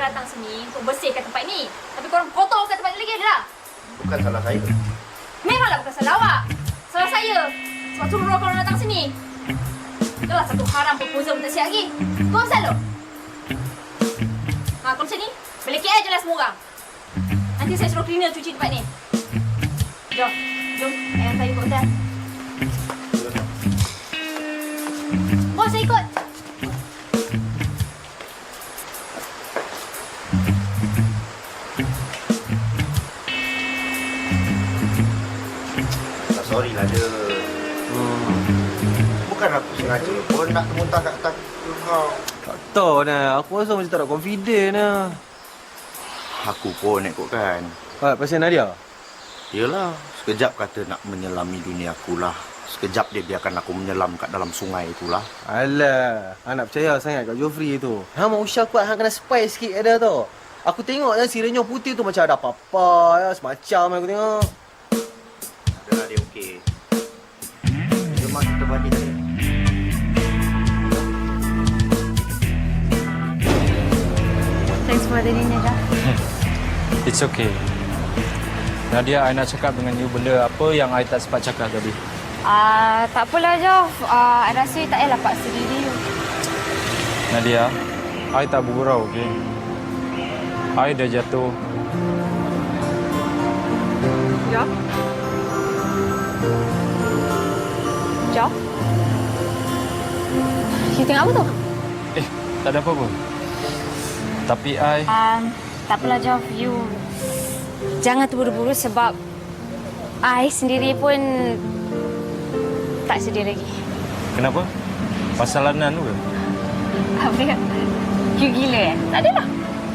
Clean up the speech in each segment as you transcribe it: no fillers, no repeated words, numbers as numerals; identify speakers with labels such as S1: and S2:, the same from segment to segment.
S1: datang sini untuk bersihkan tempat ni. Tapi korang kotorkan tempat ni lagi dah.
S2: Bukan salah saya.
S1: Memanglah bukan salah awak. Salah saya. Sebab suruh korang datang sini. Dah lah satu haram proposal pun tak siap lagi. Kau asal lo? Ha, kalau macam ni, balik KL je lah semua orang. Nanti saya suruh cleaner cuci tempat ni. Jom. Jom. Ayah saya ikut hotel. Bos, saya ikut.
S2: Sorry lah dia. Bukan aku sengaja pun nak muntah kat atas kau.
S3: Tak tahu lah. Aku rasa macam tak nak confident lah.
S2: Aku pun ikutkan.
S3: Pasal Nadia?
S2: Yelah, sekejap kata nak menyelami dunia aku lah. Sekejap dia biarkan aku menyelam kat dalam sungai itulah.
S3: Alah, nak percaya sangat kat Joffrey tu. Hang mau usah kuat, hang kena spice sikit ada tu. Aku tengok lah si renyah putih tu macam ada apa-apa ya, semacam aku tengok.
S2: Adalah dia okey. Jom lah kita balik tadi.
S1: Thanks for the dinner, Jah.
S4: It's okay. Nadia, I nak cakap dengan you benda apa yang I tak sempat cakap tadi.
S1: Tak apalah, Joff. I rasa tak payahlah paksa diri you.
S4: Nadia, I tak bergurau, okey? I dah jatuh.
S1: Joff? Joff? You tengok apa tu?
S4: Tak ada apa-apa. Tapi I...
S1: Tak apalah, Joff. You jangan terburu-buru sebab I sendiri pun tak sedia lagi.
S4: Kenapa? Pasal Lanan tu ke?
S1: Apa ya? You gila Tak adalah.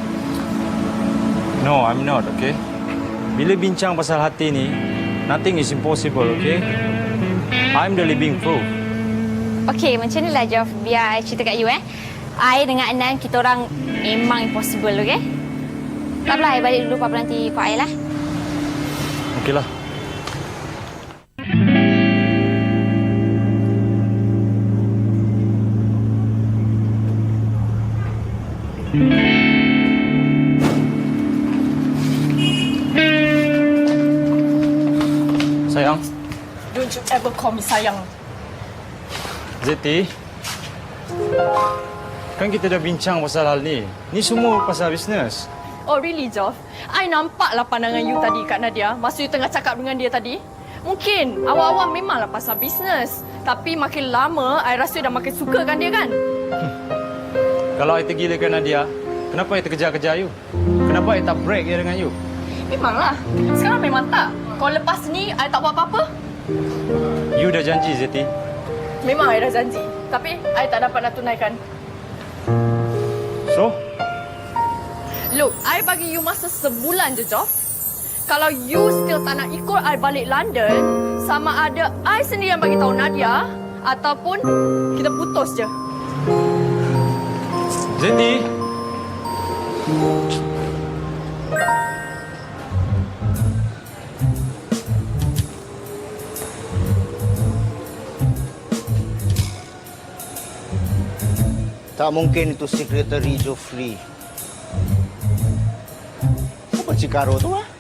S4: No, I'm not, okay? Bila bincang pasal hati ni, nothing is impossible, okay? I'm the living proof.
S1: Okey, macam ni lah, Joff. Biar I cerita kat you, I dengan Anan, kita orang memang impossible, okey? Tak apalah, I balik dulu. Papa nanti ikut I lah.
S4: Okeylah. Sayang.
S5: Don't you ever call me sayang.
S4: Zeti. Kan kita dah bincang pasal hal ni. Ni semua pasal bisnes.
S5: Oh really, Joff? I nampaklah pandangan you tadi kat Nadia masa you tengah cakap dengan dia tadi. Mungkin awal-awal memanglah pasal bisnes. Tapi makin lama, I rasa dah makin suka kan dia kan?
S4: Kalau I tergilakan Nadia, kenapa I terkejar-kejar you? Kenapa I tak break je dengan you?
S5: Memanglah. Sekarang memang tak. Kalau lepas ni, I tak buat apa-apa.
S4: You dah janji, Zeti.
S5: Memang I dah janji. Tapi, I tak dapat nak tunaikan.
S4: So?
S5: Look, I bagi you masa sebulan je, Joff. Kalau you still tak nak ikut I balik London, sama ada I sendiri yang bagi tahu Nadia ataupun kita putus je.
S4: Zeti.
S2: Tak mungkin itu sekretari Joffrey. Apa Cikaro tu ah?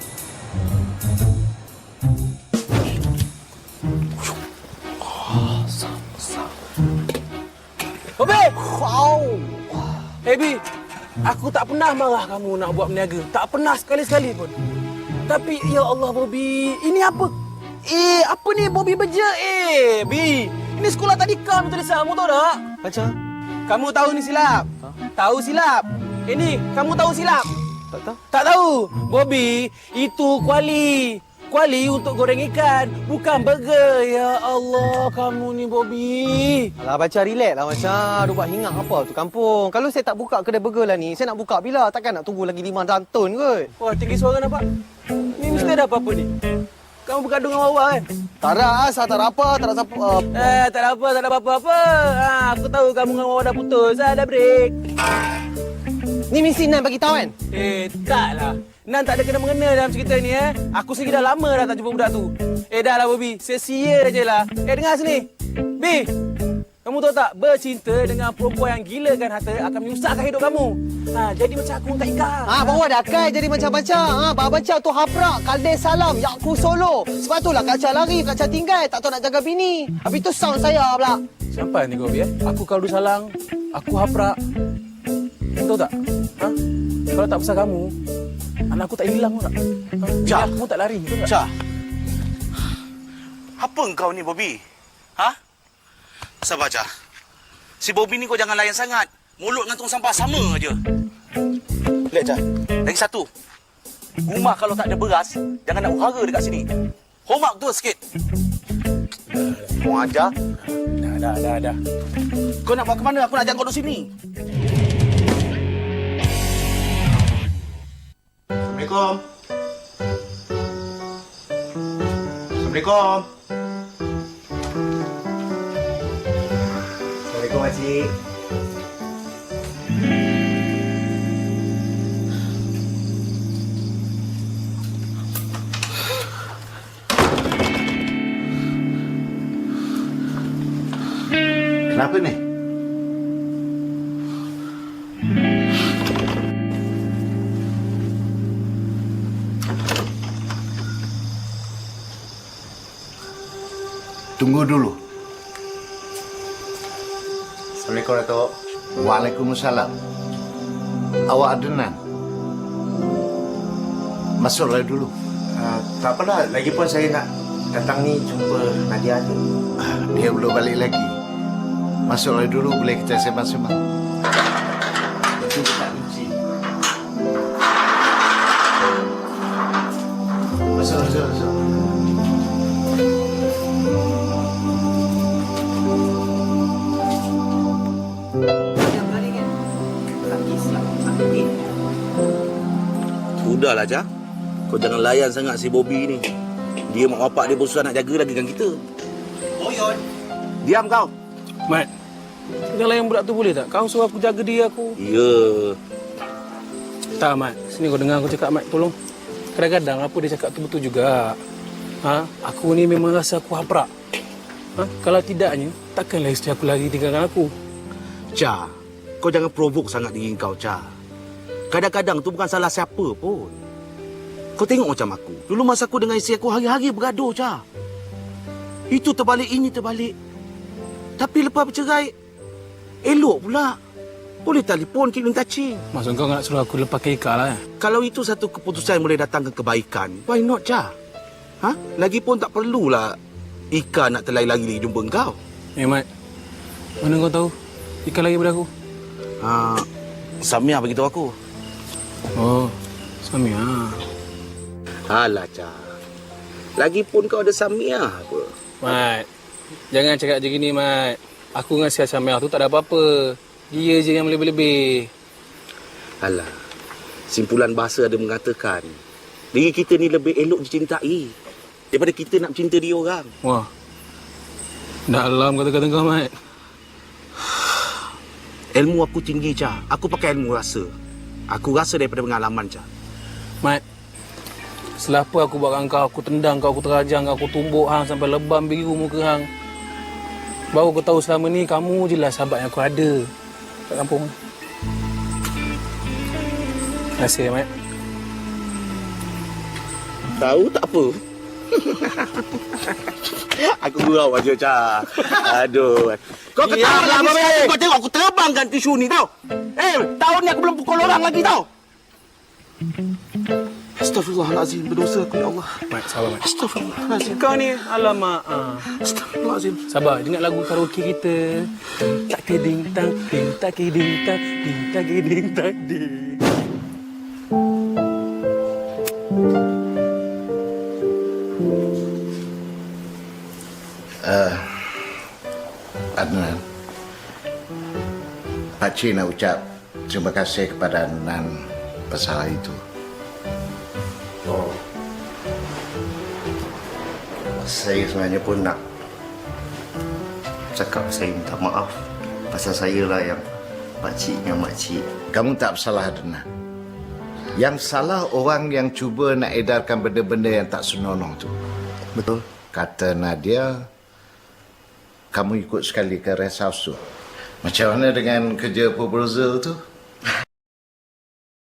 S3: Bobi! Wow! Bi, aku tak pernah marah kamu nak buat berniaga. Tak pernah sekali-sekali pun. Tapi, ya Allah, Bobi. Ini apa? Apa ni Bobi beja? Bi, ini sekolah tadika betul Lisa. Kamu tahu tak? Macam? Kamu tahu ni silap. Tahu silap. Ini, kamu tahu silap. Tak tahu? Tak tahu. Bobi, itu kuali. Kuali untuk goreng ikan, bukan burger. Ya Allah, kamu ni Bobi. Alah, baca relax lah macam. Aduh, buat hingat apa tu kampung. Kalau saya tak buka kedai burger lah ni, saya nak buka bila? Takkan nak tunggu lagi 5 tahun kot. Wah, tinggi suara nampak. Ni mesti ada apa-apa ni. Kamu bergaduh dengan Wawa kan? Tak ada, asal tak ada apa, tak ada siapa. Tak ada apa, tak ada apa-apa. Aku tahu kamu dengan Wawa dah putus, dah break. Ni mesti Nan bagi tahu kan? Taklah. Nan tak ada kena-mengena dalam cerita ni Aku sendiri dah lama dah tak jumpa budak tu. Dah lah Bobby, sia-sia je lah. Dengar sini. B, Kamu tahu tak, bercinta dengan perempuan yang gilakan harta akan menyusahkan hidup kamu. Jadi macam aku tak Ika.
S6: bawa dah kan jadi macam-macam. Baca tu haprak, kalde salam, yakku solo. Sebab itulah Kak Cha lari, Kak Cha tinggal. Tak tahu nak jaga bini. Habis tu sound saya pula.
S3: Sampai ni kau, ya? Aku kaldu salang, aku haprak. Tahu tak? Kalau tak pasal kamu, anak aku tak hilang tak?
S2: Jah.
S3: Aku tak lari, betul tak?
S2: Cha. Apa engkau ni, Bobby? Sabar, Cha. Si Bobby ni kau jangan layan sangat. Mulut dengan tong sampah sama aja. Lihat, Cha. Lagi satu. Rumah kalau tak ada beras, jangan nak uhara dekat sini. Hormat tu sikit. Kau ajar.
S3: Dah.
S2: Kau nak buat ke mana? Aku nak ajak kau duduk sini. Assalamualaikum. Assalamualaikum. Assalamualaikum, Makcik. Kenapa ni? Tunggu dulu. Assalamualaikum, Datuk. Waalaikumsalam. Awak Adnan. Masuklah dulu. Tak apalah. Lagipun saya nak datang ni jumpa Nadia je. Dia belum balik lagi. Masuklah dulu, boleh kita sembang-sembang. Itu tak lucu. Masuk. Sudahlah, Jah. Kau jangan layan sangat si Bobby ni. Dia mak bapak dia berusaha nak jaga lagi kan kita. Oyon. Diam kau.
S3: Mat, jangan layan budak tu boleh tak? Kau suruh aku jaga dia aku.
S2: Ya.
S3: Tak, Mat. Sini kau dengar aku cakap, Mat. Tolong. Kadang-kadang apa dia cakap tu betul juga. Aku ni memang rasa aku haprak. Kalau tidaknya, takkanlah isteri aku lagi tinggalkan aku.
S2: Cha, kau jangan provoke sangat diri kau, Cha. Kadang-kadang tu bukan salah siapa pun. Kau tengok macam aku. Dulu masa aku dengan isteri aku hari-hari bergaduh, Cha. Itu terbalik, ini terbalik. Tapi lepas bercerai, elok pula. Boleh telefon, keep in touching.
S3: Maksud kau nak suruh aku lepas ke Ika lah?
S2: Kalau itu satu keputusan yang boleh datangkan kebaikan, why not, Cha? Lagipun tak perlulah Ika nak terlai lagi jumpa kau.
S3: Mat. Mana kau tahu? Ika lagi pada aku.
S2: Samia beritahu aku.
S3: Oh, Samia.
S2: Alah, Cha. Lagipun kau ada Samia apa?
S3: Mat, jangan cakap macam gini, Mat. Aku dengan si Samia tu tak ada apa-apa. Dia je yang lebih-lebih.
S2: Alah, simpulan bahasa ada mengatakan, diri kita ni lebih elok dicintai daripada kita nak cinta dia orang.
S3: Wah, dalam kata-kata kau, Mat.
S2: Ilmu aku tinggi, Cha. Aku pakai ilmu rasa. Aku rasa daripada pengalaman, Cha.
S3: Mat, setelah apa aku buat dengan kau, aku tendang kau, aku terajang kau, aku tumbuk hang sampai lebam biru muka hang. Baru aku tahu selama ni kamu je lah sahabat yang aku ada kat kampung. Terima kasih, Mat.
S2: Tahu tak apa? Aku gurau aja, Cha. Aduh. Kau ketawa lah, Babe. Kau tengok aku terbangkan tisu ni, tau. Tahun ni aku belum pukul orang lagi, tau. Astaghfirullahalazim. Berdosa aku, ya Allah.
S3: Mat, sabar, Mat.
S2: Astaghfirullahalazim.
S3: Kau ni, alamak.
S2: Astaghfirullahalazim.
S3: Sabar, ingat lagu karaoke kita. Tak keding tang, ding tak keding tang, ding tak keding tang, ding.
S7: Adnan, Pakcik nak ucap terima kasih kepada Adnan pasal hari itu.
S2: Saya sebenarnya pun nak cakap saya minta maaf. Pasal saya lah yang pakcik dengan makcik.
S7: Kamu tak bersalah, Adnan. Yang salah orang yang cuba nak edarkan benda-benda yang tak senonoh tu.
S2: Betul.
S7: Kata Nadia, kamu ikut sekali ke rest house tu. Macam mana dengan kerja proposal tu?